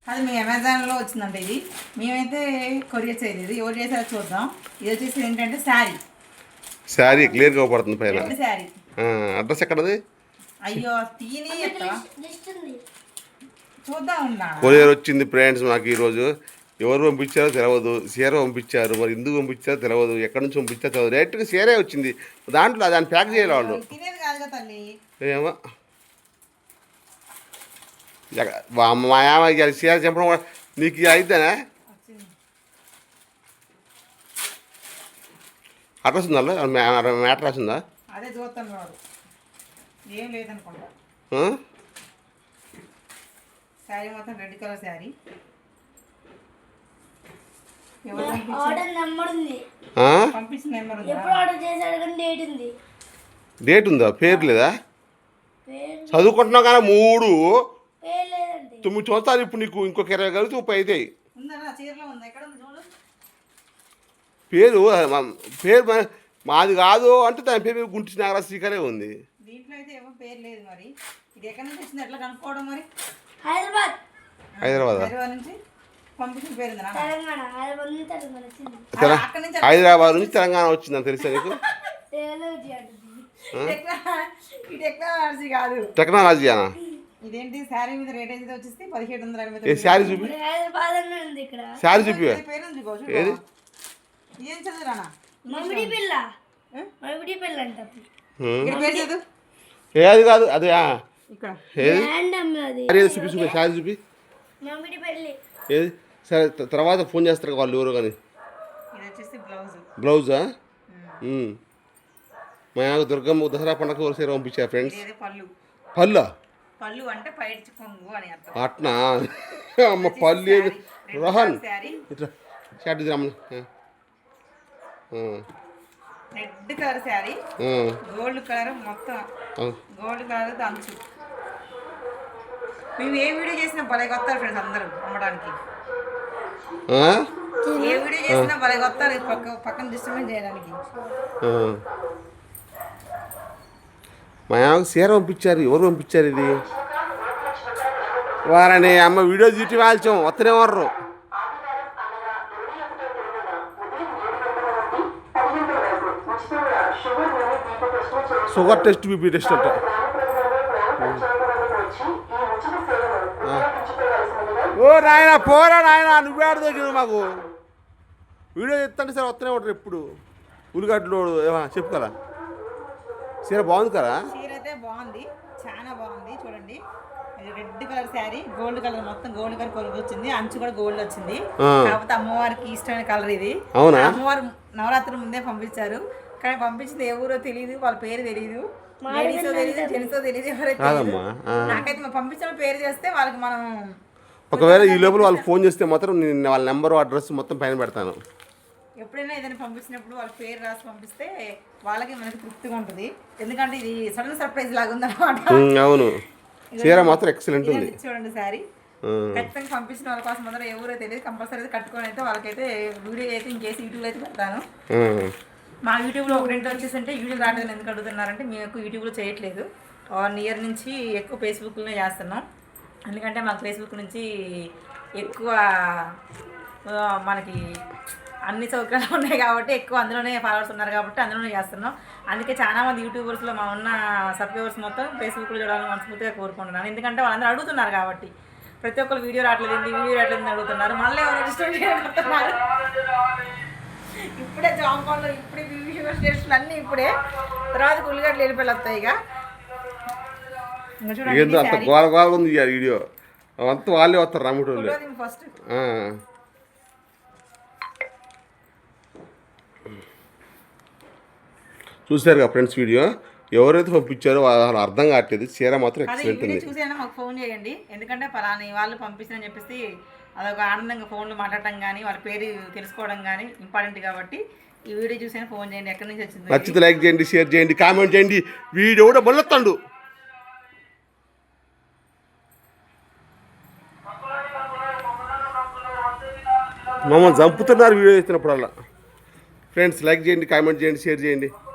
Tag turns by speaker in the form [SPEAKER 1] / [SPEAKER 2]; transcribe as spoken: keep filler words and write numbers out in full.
[SPEAKER 1] అది మీ అమెజాన్లో వచ్చిందంట. ఇది మేమైతే కొరియర్ చేయలేదు, ఎవరు చేసారో చూద్దాం. ఇది వచ్చేసి ఏంటంటే శారీ
[SPEAKER 2] శారీ క్లియర్గా పడుతుంది పైన.
[SPEAKER 1] శారీ
[SPEAKER 2] అడ్రస్ ఎక్కడది?
[SPEAKER 1] అయ్యో తీని చూద్దాం.
[SPEAKER 2] కొరియర్ వచ్చింది ఫ్రెండ్స్. మాకు ఈరోజు ఎవరు పంపించారో తెలియదు, చీర పంపించారు, మరి ఎందుకు పంపించారో తెలియదు, ఎక్కడి నుంచి పంపించారో తెలియదు. డైరెక్ట్గా చీరే వచ్చింది, దాంట్లో దాన్ని ప్యాక్ చేయాలి వాళ్ళు. ఏమో మా యామ చీర చెప్పడం కూడా నీకు అయితేనే. అడ్రస్ ఉందా? మ్యాటర్ రాసిందా?
[SPEAKER 1] అదే చూస్తాను వాడు ఏం లేదనుకుంటా. శారీ మొత్తం రెడ్ కలర్ శారీ. పంపించిన నెంబర్ ఉంది.
[SPEAKER 2] డేట్ ఉందా? పేరు లేదా? చదువుకుంటున్నావు కానీ మూడు తొమ్మిది సంవత్సరాలు ఇప్పుడు నీకు ఇంకొక ఇరవై కలిసి ముప్పై అవుతాయి. పేరు పేరు మాది కాదు అంటే దాని పేరు గుంటి నాగరాజు శ్రీకరే ఉంది.
[SPEAKER 1] దీంట్లో అయితే ఏమో పేరు లేదు. మరి ఇది ఎక్కడి నుంచి వచ్చింది, ఎట్లా కనుక్కోవడం? మరి
[SPEAKER 2] హైదరాబాద్
[SPEAKER 1] హైదరాబాద్ నుంచి పంపించిన పేరు
[SPEAKER 2] హైదరాబాద్ నుంచి తెలంగాణ వచ్చిందని తెలుసా నీకు?
[SPEAKER 1] టెక్నాలజీ కాదు,
[SPEAKER 2] టెక్నాలజీ అనా?
[SPEAKER 1] ఇదేంటి శారీ మీద రేట్ అయితే వచ్చేసి పదిహేడు వందల అరవై.
[SPEAKER 2] శారీ చూపి, శారీ చూపి. ఏది
[SPEAKER 1] ఏం చదువురానా?
[SPEAKER 2] ఏది కాదు అదే చూపి చూపి శారీ చూపి. ఏది సరే తర్వాత ఫోన్ చేస్తారు వాళ్ళు ఎవరో కానీ. బ్లౌజా? మా దుర్గమ్మ దసరా పండుగ సీర పంపించారు ఫ్రెండ్స్. పళ్ళు
[SPEAKER 1] పళ్ళు అంటే పైడ్చి కొంగు అని అర్థం.
[SPEAKER 2] అట్నా? అమ్మ పళ్ళు ఏది రోహన్ ఇట్లా షార్ట్ రమ్మని.
[SPEAKER 1] Red colour sari, gold colour మొత్తం, గోల్డ్ కలర్ అంచు. మేము ఏ వీడియో చేసినా భలే కొత్తారు ఫ్రెండ్స్ అందరూ అమ్మడానికి. ఏ వీడియో చేసినా భలే కొత్తారు పక్క పక్కన డిస్టర్బెన్స్ చేయడానికి.
[SPEAKER 2] మా అమ్మకి చీర పంపించారు. ఎవరు పంపించారు ఇది? వారని అమ్మ వీడియో తీటి వాల్చాం వస్తనే వర్రు. షుగర్ టెస్ట్ బీపీ టెస్ట్ అంట. ఓ నాయన పోరా నాయన, నువ్వే ఆడ దగ్గర మాకు వీడియో చెప్తాంటే సరే వస్తూనే ఉంటారు ఎప్పుడు. ఉల్లిగడ్డలు చెప్పు కదా. చీర బాగుంది కదా?
[SPEAKER 1] చీర అయితే బాగుంది, చాలా బాగుంది. చూడండి red colour sari, gold colour మొత్తం గోల్డ్ కలర్ కొలుగు వచ్చింది, అంచు కూడా గోల్డ్ వచ్చింది. కాకపోతే అమ్మవారికి ఇష్టమైన కలర్ ఇది.
[SPEAKER 2] అవునా?
[SPEAKER 1] అమ్మవారు నవరాత్రుల ముందే పంపించారు, కానీ పంపించింది ఏ ఊరో తెలియదు, వాళ్ళ పేరు తెలియదు, లేడీసో తెలియదు, జెంట్సో తెలియదు, ఎవరైతే. నాకైతే మా పంపించిన పేరు చేస్తే వాళ్ళకి మనం
[SPEAKER 2] ఒకవేళ ఈ లోపల వాళ్ళు ఫోన్ చేస్తే మాత్రం నేను వాళ్ళ నెంబర్ అడ్రస్ మొత్తం పైన పెడతాను.
[SPEAKER 1] ఎప్పుడైనా ఏదైనా పంపించినప్పుడు వాళ్ళ పేరు రాసి పంపిస్తే వాళ్ళకి మనకి తృప్తిగా ఉంటుంది. ఎందుకంటే ఇది సడన్ సర్ప్రైజ్ లాగా ఉందన్నమాట.
[SPEAKER 2] అవును, చీర మాత్రం ఎక్సలెంట్ ఉంది.
[SPEAKER 1] చూడండి శారీ ఖచ్చితంగా పంపించిన వాళ్ళ కోసం మాత్రం ఎవరో తెలియదు, కంపల్సరీ కట్టుకొని అయితే వాళ్ళకైతే వీడియో అయితే ఇంకేసి యూట్యూబ్లో అయితే పెడతాను. మా యూట్యూబ్లో ఒక రెండు వచ్చేసి అంటే యూట్యూబ్ రావడం ఎందుకు అడుగుతున్నారంటే మేము ఎక్కువ యూట్యూబ్లో చేయట్లేదు. వన్ ఇయర్ నుంచి ఎక్కువ ఫేస్బుక్లోనే చేస్తున్నాం. ఎందుకంటే మాకు ఫేస్బుక్ నుంచి ఎక్కువ మనకి అన్ని సౌకర్యాలు ఉన్నాయి కాబట్టి ఎక్కువ అందులోనే ఫాలోవర్స్ ఉన్నారు కాబట్టి అందులోనే చేస్తున్నాం. అందుకే చాలామంది యూట్యూబర్స్లో మా ఉన్న సబ్స్క్రైబర్స్ మొత్తం ఫేస్బుక్లో చూడాలని మనస్ఫూర్తిగా కోరుకుంటున్నాను. ఎందుకంటే వాళ్ళందరూ అడుగుతున్నారు కాబట్టి ప్రతి ఒక్కరు వీడియో రావట్లేదు, వీడియో రావట్లేదు అడుగుతున్నారు. మళ్ళీ ఎవరు రిజిస్టర్ చేయబోతున్నారు. ఇప్పుడే జాంపాన్లో ఇప్పుడే వ్యూవర్స్ టెస్ట్లు అన్నీ ఇప్పుడే, తర్వాత ఉల్లిగడ్డలు వెళ్ళిపోయి వస్తాయి. ఇక
[SPEAKER 2] ఏందో అంత గోల గోల ఉంది ఈ వీడియో అంతా వాళ్ళే వస్తారు రాముడు
[SPEAKER 1] ఫస్ట్.
[SPEAKER 2] చూసారు కదా ఫ్రెండ్స్ వీడియో, ఎవరైతే పంపించారో వాళ్ళు అర్థం కావట్లేదు. చీర మాత్రం ఎక్సలెంట్ ఉంది.
[SPEAKER 1] చూసేనా మాకు ఫోన్ చేయండి, ఎందుకంటే పలాని వాళ్ళు పంపిస్తారని చెప్పేసి అదొక ఆనందంగా ఫోన్లో మాట్లాడటం కానీ వాళ్ళ పేరు తెలుసుకోవడం కానీ ఇంపార్టెంట్ కాబట్టి ఈ వీడియో చూసైనా ఫోన్ చేయండి. ఎక్కడి నుంచి వచ్చింది
[SPEAKER 2] నచ్చితే లైక్ చేయండి, షేర్ చేయండి, కామెంట్ చేయండి. వీడియో కూడా మొదలెత్తండు. మమ్మల్ని చంపుతున్నారు వీడియో చేస్తున్నప్పుడల్లా. ఫ్రెండ్స్ లైక్ చేయండి, కామెంట్ చేయండి, షేర్ చేయండి.